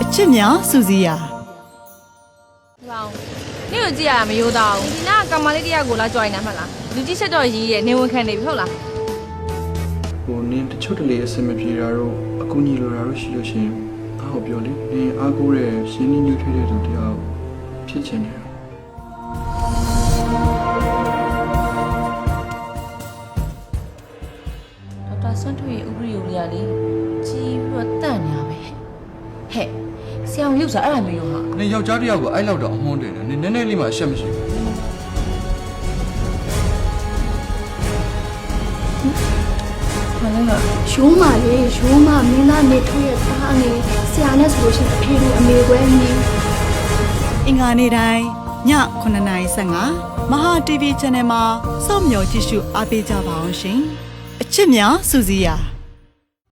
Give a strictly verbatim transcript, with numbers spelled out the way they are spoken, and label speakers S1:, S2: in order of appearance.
S1: ချစ်များစူစီယာ
S2: ဟောနေ့ကိုကြည့်ရတာမရိုးသားဘူးဒီနာကကမလေးတယောက်ကိုလာကြွိုင်နေမှလားလူကြီးချက်တော့ရီးရဲ့နေဝင်ခံနေပြီဟုတ်လား
S3: ဟိုနင်းတချို့တလေအဆင်မပြေတာတော့အကူညီလိုတာတော့ရှိလို့ရှိရင်အားကိုပြောလေနင်းအားကိုတဲ့ရှင်းနေညှိထွေးတဲ့သူတယောက်ဖြစ်ချင်တယ်
S2: ဒေါက်တာဆွမ်းထွေဥပဒေကိုလေးကလေကြီးပြီးတော့တန့်နေရပဲဟဲ့ဆရာရုပ်စားအဲ့ဒါမျိုးဟာ
S3: နင်းယောက်ျားတယောက်ကိုအဲ့လောက်တော့အမွှန်းတယ်နင်းနည်းနည်းလေးမှအရှက်မရှိဘူး
S2: မလည်းက
S4: ရိုးမာလေရိုးမာမင်းသားနေထွေးရဲ့သားငယ်ဆရာနဲ့ဆိုလို့ရှိရင်အဖေတို့အမေကွဲနေ
S1: အင်္ဂါနေ့တိုင်းညခုနှစ်နာရီဆယ်၅မဟာ တီဗီ Channel မှာစောင့်မျှော်ကြည့်ရှုအားပေးကြပါအောင်ရှင်အချစ်များစူစီယာ